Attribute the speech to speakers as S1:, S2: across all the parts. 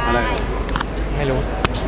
S1: อะไร
S2: ไม่รู้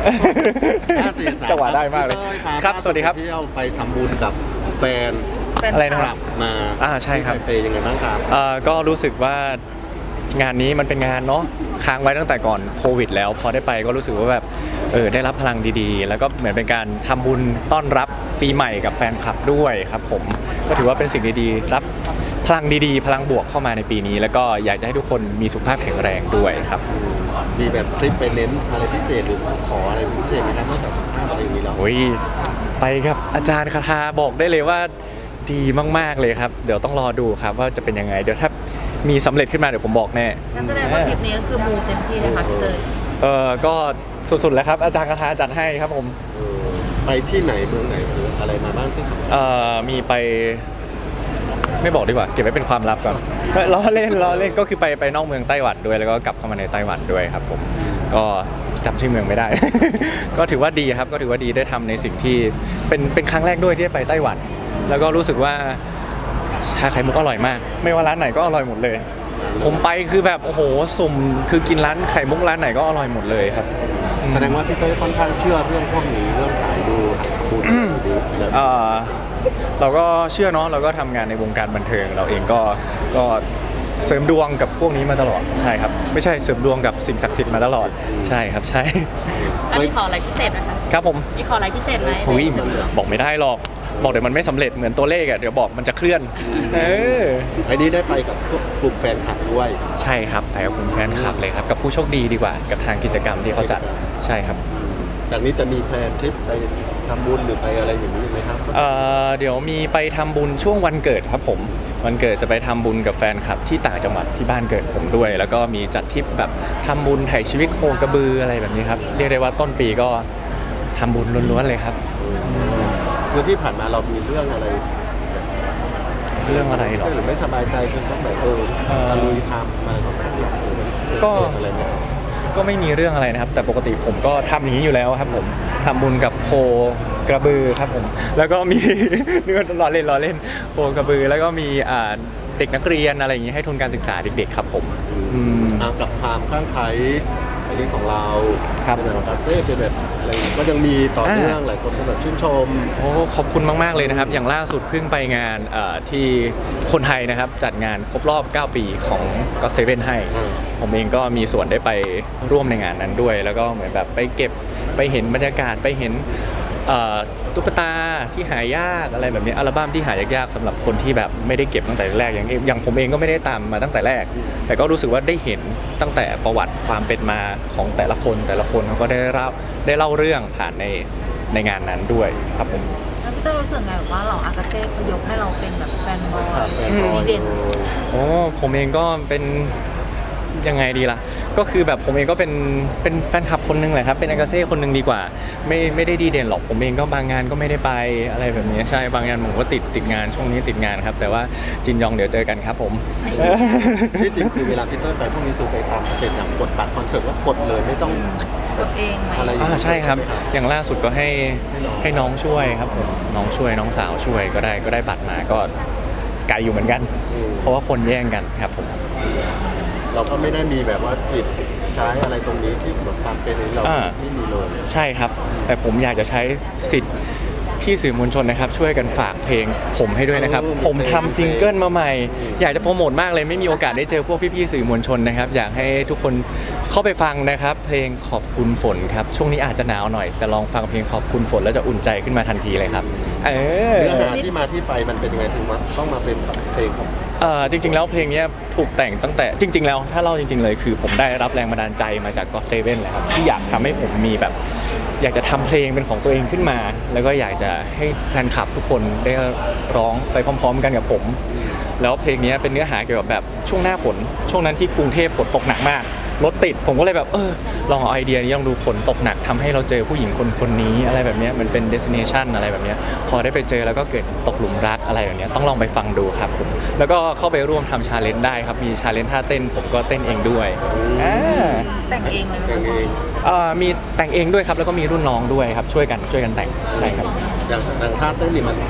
S1: 5 4 3
S2: จังหวะได้มากเลยครับสวัสดีครับ
S1: เที่ยวไปทำบุญกับแฟน
S2: อะไรนะครับ
S1: มา
S2: ใช่ครับ
S1: ไปยังไงบ้างครับ
S2: ก็รู้สึกว่างานนี้มันเป็นงานเนาะค้างไว้ตั้งแต่ก่อนโควิดแล้วพอได้ไปก็รู้สึกว่าแบบได้รับพลังดีๆ แล้วก็เหมือนเป็นการทำบุญต้อนรับปีใหม่กับแฟนคลับด้วยครับผมก็ถือว่าเป็นสิ่งดีๆรับพลังดีๆ พลังบวกเข้ามาในปีนี้ แล้วก็อยากจะให้ทุกคนมีสุขภาพแข็งแรงด้วยครับ
S1: มีแบบทริปไปเน้นอะไรพิเศษหรือขออะไรพิเศษไหมครับนอกจากสุขภาพอะไรอย่างนี้แล้ว
S2: โอ้ยไปครับอาจารย์คาถาบอกได้เลยว่าดีมากๆเลยครับเดี๋ยวต้องรอดูครับว่าจะเป็นยังไงเดี๋ยวถ้ามีสำเร็จขึ้นมาเดี๋ยวผมบอกแน่
S3: งั้นแสดงว่าทริปนี้ก็คือมูเต็มที่เลยค่ะพี่เตย
S2: ก็สุดๆแล้วครับอาจารย์คาถาจัดให้ครับผม
S1: ไปที่ไหนเมืองไหนหรืออะไรมาบ้างที่สำคัญ
S2: มีไปไม่บอกดีกว่าเก็บไว้เป็นความลับก่อน ล้อเล่นก็คือไปนอกเมืองไต้หวันด้วยแล้วก็กลับเข้ามาในไต้หวันด้วยครับผมก็จำชื่อเมืองไม่ได้ ก็ถือว่าดีครับก็ถือว่าดีได้ทำในสิ่งที่เป็นครั้งแรกด้วยที่ได้ไปไต้หวัน แล้วก็รู้สึกว่าชาไข่มุกอร่อยมาก ไม่ว่าร้านไหนก็อร่อยหมดเลย ผมไปคือแบบโอ้โหสุ่มคือกินร้านไข่มุกร้านไหนก็อร่อยหมดเลยครับ
S1: แสดงว่าพี่เต้ยค่อนข้างเชื่อเรื่องพวกนี้เรื่องสายดูบุญดูอะไร
S2: เราก็เชื่อเนาะเราก็ทำงานในวงการบันเทิงเราเองก็เสริมดวงกับพวกนี้มาตลอดใช่ครับไม่ใช่เสริมดวงกับสิ่งศักดิ์สิทธิ์มาตลอดใช่ครับใช่
S3: อันนี้ขออะไรพิเศษนะคะ
S2: ครับผม
S3: มีขออะไรพิเศษไหม
S2: หุย
S3: ในเสริมดวง
S2: บอกไม่ได้หรอกบอกเดี๋ยวมันไม่สำเร็จเหมือนตัวเลขอ่ะเดี๋ยวบอกมันจะเคลื่อนอ
S1: ไอ้นี้ได้ไปกับพวกกลุ่มแฟนคลับด้วย
S2: ใช่ครับไปกับคุณแฟนคลับเลยครับกับผู้โชคดีดีกว่ากับทางกิจกรรมที่เขาจัดใช่ครับ
S1: จากนี้จะมีแพลนทริปไปทำบุญหรือไปอะไรอย่างนี้ไหมครับ
S2: เดี๋ยวมีไปทำบุญช่วงวันเกิดครับผมวันเกิดจะไปทำบุญกับแฟนคลับที่ต่างจังหวัดที่บ้านเกิดผมด้วย แล้วก็มีจัดทริปแบบทำบุญไถ่ชีวิตโคกระบืออะไรแบบนี้ครับเรียกได้ว่าต้นปีก็ทำบุญล้วนๆเลยครับ
S1: คือที่ผ่านมาเรามีเรื่องอะไร
S2: เรื่องอะไรหรอ
S1: หรือไม่สบายใจจนต้องแบบตะลุยทำมาก็ไม่อยากมัน
S2: ก็
S1: เกิดอะไรเนี่ย
S2: ก็ไม่มีเรื่องอะไรนะครับ แต่ปกติผมก็ทำอย่างนี้อยู่แล้วครับผมทำบุญกับโคกระบือครับผมแล้วก็มี เนื้อล้อเล่นโคกระบือแล้วก็มีเด็กนักเรียนอะไรอย่างนี้ให้ทุนการศึกษาเด็กๆครับผม
S1: กับความข้างไคล้อันนี้ของเรา
S2: ครับ
S1: เป็นแบบคาเซ่เป็นแบบอะไรก็ยังมีต่อเนื่องหลายคนก็แบบชื่นชม
S2: โอ้ขอบคุณมากๆเลยนะครับอย่างล่าสุดเพิ่งไปงานที่คนไทยนะครับจัดงานครบรอบ 9 ปีของก็เซเว่นให้ ผมเองก็มีส่วนได้ไปร่วมในงานนั้นด้วย แล้วก็เหมือนแบบไปเก็บไปเห็นบรรยากาศไปเห็นตุ๊กตาที่หายากอะไรแบบนี้อัลบั้มที่หายากๆสำหรับคนที่แบบไม่ได้เก็บตั้งแต่แรกอย่างผมเองก็ไม่ได้ตามมาตั้งแต่แรก แต่ก็รู้สึกว่าได้เห็นตั้งแต่ประวัติความเป็นมาของแต่ละคนเขาก็ได้เล่าเรื่องผ่านในงานนั้นด้วยครับผม
S3: แล้วพี่เตยรู้สึกไงแบบว่าเราอากาเซ่เขายกให้เราเป็นแบบแฟนบอย
S1: แฟนบอย
S3: ดีเด่น
S2: โอ้ผมเองก็เป็นยังไงดีล่ะก็คือแบบผมเองก็เป็นแฟนคลับคนหนึงแหละครับเป็นอากาเซ่คนหนึงดีกว่าไม่ได้ดีเด่นหรอกผมเองก็บางงานก็ไม่ได้ไปอะไรแบบนี้ใช่บางงานผมก็ติดงานช่วงนี้ติดงานครับแต่ว่าจินยองเดี๋ยวเจอกันครับผม
S1: ที่จริงคือเวลาพี่เต้ยไปพวกนี้คือไปตามสเต็ปอย่างกดบัตรคอนเสิร์ตว่ากดเลยไม่ต้อง
S3: กดเองไหม
S1: อะไรอย่างนี้
S2: ใช่ครับ
S1: ใช่ไหมครับ
S2: อย่างล่าสุดก็ให้น้องช่วยครับผมน้องช่วยน้องสาวช่วยก็ได้บัตรมาก็ไกลอยู่เหมือนกัน เพราะว่าคนแย่งกันครับผม
S1: เราก็ไม่ได้มีแบบว่าสิทธิ์ใช้อะไรตรงนี้ที่แบบความเป็นเราไม่มีเลย
S2: ใช่ครับ แต่ผมอยากจะใช้สิทธิ์พี่สื่อมวลชนนะครับ ช่วยกันฝากเพลงผมให้ด้วยนะครับ ผมทำซิงเกิลมาใหม่ อยากจะโปรโมทมากเลยไม่มีโอกาสได้เจอพวกพี่ๆสื่อมวลชนนะครับ อยากให้ทุกคนเข้าไปฟังนะครับ เพลงขอบคุณฝนครับช่วงนี้อาจจะหนาวหน่อยแต่ลองฟังเพลงขอบคุณฝนแล้วจะอุ่นใจขึ้นมาทันทีเลยครับ
S1: เนื้อหาที่มาที่ไปมันเป็นยังไงถึงว่าต้องมาเป็นเพลงของ
S2: จริงๆแล้วเพลงนี้ถูกแต่งตั้งแต่จริงๆแล้วถ้าเล่าจริงๆเลยคือผมได้รับแรงบันดาลใจมาจากก็อตเซเว่นแหละครับที่อยากทำให้ผมมีแบบอยากจะทำเพลงเป็นของตัวเองขึ้นมา แล้วก็อยากจะให้แฟนคลับทุกคนได้ร้องไปพร้อมๆกันกับผม แล้วเพลงนี้เป็นเนื้อหาเกี่ยวกับแบบช่วงหน้าฝนช่วงนั้นที่กรุงเทพฝนตกหนักมากรถติดผมก็เลยแบบลองเอาไอเดียนี้ลองดูฝนตกหนักทำให้เราเจอผู้หญิงคนนี้อะไรแบบนี้มันเป็น destination อะไรแบบนี้พอได้ไปเจอแล้วก็เกิดตกหลุมรักอะไรแบบนี้ต้องลองไปฟังดูครับผมแล้วก็เข้าไปร่วมทำชาเลนจ์ได้ครับมีชาเลนจ์ท่าเต้นผมก็เต้นเองด้วย
S3: แต่งเองเลยไหม
S1: เพลงเอง
S2: มีแต่งเองด้วยครับแล้วก็มีรุ่นน้องด้วยครับช่วยกันแต่งใช่ครับ
S1: อย่างท่าเต้นนี่มัน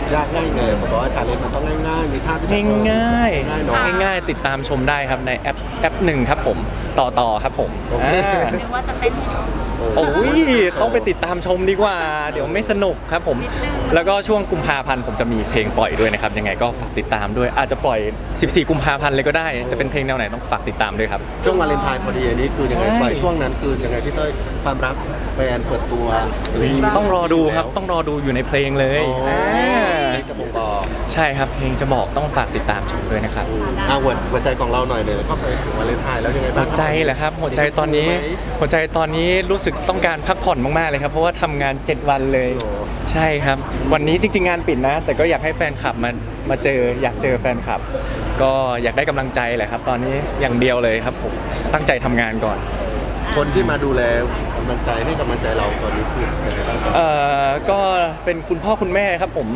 S1: ยากง่ายไงผมบอกว่าชาเลนจ์มันต้องง่ายๆมีท่าที่แบบ
S2: ง่าย
S1: ง่ายเนาะ
S2: ง่ายๆติดตามชมได้ครับในแอปหนึ่งครับผมต่อครับผม
S1: โอเค
S3: นึกว่าจะเต้นให้ดู
S2: โอ้ยต้องไปติดตามชมดีกว่า เดี๋ยวไม่สนุกครับผม
S3: นิดนึง
S2: แล้วก็ช่วงกุมภาพันธ์ผมจะมีเพลงปล่อยด้วยนะครับยังไงก็ฝากติดตามด้วยอาจจะปล่อย 14 กุมภาพันธ์เลยก็ได้จะเป็นเพลงแนวไหนต้องฝากติดตามด้วยครับ
S1: ช่วงวาเลนไทน์พอดีอันนี้คือยังไง
S2: ใช่
S1: ปล่อยช่วงนั้นคือยังไงพี่เต้ยความรักแฟนเปิดตัว
S2: ต้องรอดูครับต้องรอดูอยู่ในเพลงเลย
S1: โอ้
S2: า
S1: เพลงจะบ่งบอก
S2: ใช่ครับเพลงจะบอกต้องฝากติดตามชมด้วยนะครับ
S1: หัวใจของเราหน่อยเลยแล้วก็ไปถึงวาเลนไทน์แล้วยังไง
S2: หั
S1: บ้าง
S2: วใจเหรอครับหัวใจตอนนี้รู้สึกต้องการพักผ่อนมากๆเลยครับเพราะว่าทำงาน 7 วันเลย
S1: โอ้
S2: ใช่ครับ วันนี้จริง ๆ งานปิดนะ แต่ก็อยากให้แฟนคลับมาเจออยากเจอแฟนคลับ ก็อยากได้กำลังใจแหละครับ ตอนนี้อย่างเดียวเลยครับผมตั้งใจทำงานก่อน
S1: คนที่มาดูแลกำลังใจให้กำลังใจเราตอนนี้คือยังไงบ้างครับ
S2: ก็เป็นคุณพ่อคุณแม่ครับผม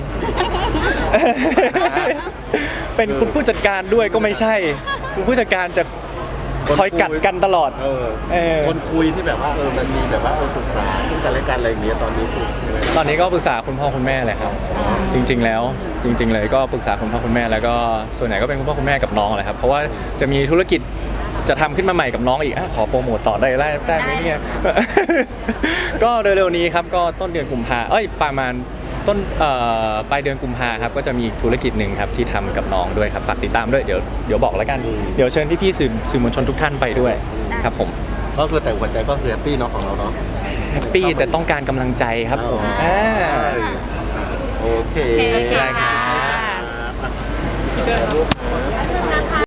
S2: เป็นคุณผู้จัดการด้วยก็ไม่ใช่ คุณผู้จัดการจะคอยกัดกันตลอด
S1: คนคุยที่แบบว่ามันมีแบบว่าปรึกษาซึ่งกันและกันอะไรอย่างเงี้ยตอนนี้คือยังไงบ้าง
S2: ตอนนี้ก็ปรึกษาคุณพ่อคุณแม่เลยครับ จริง ๆ แล้วจริง ๆ เลยก็ปรึกษาคุณพ่อคุณแม่แล้วก็ส่วนใหญ่ก็เป็นคุณพ่อคุณแม่กับน้องแหละครับเพราะว่าจะมีธุรกิจจะทำขึ้นมาใหม่กับน้องอีกขอโปรโมทต่อได้ไหมเนี่ย ก็เร็วๆนี้ครับก็ต้นเดือนกุมภาประมาณต้นปลายเดือนกุมภาครับก็จะมีธุรกิจหนึ่งครับที่ทำกับน้องด้วยครับฝากติดตามด้วยเดี๋ยวบอกแล้วกันเดี๋ยวเชิญพี่ๆสื่อมวลชนทุกท่านไปด้วยครับผม
S1: ก็คือแต่หัวใจก็คือแฮปปี้เนาะของเราเนาะ
S2: แฮปปี้แต่ต้องการกำลังใจครับผม
S1: โอเค
S3: โอเค
S2: ได้ครับ
S1: ครับ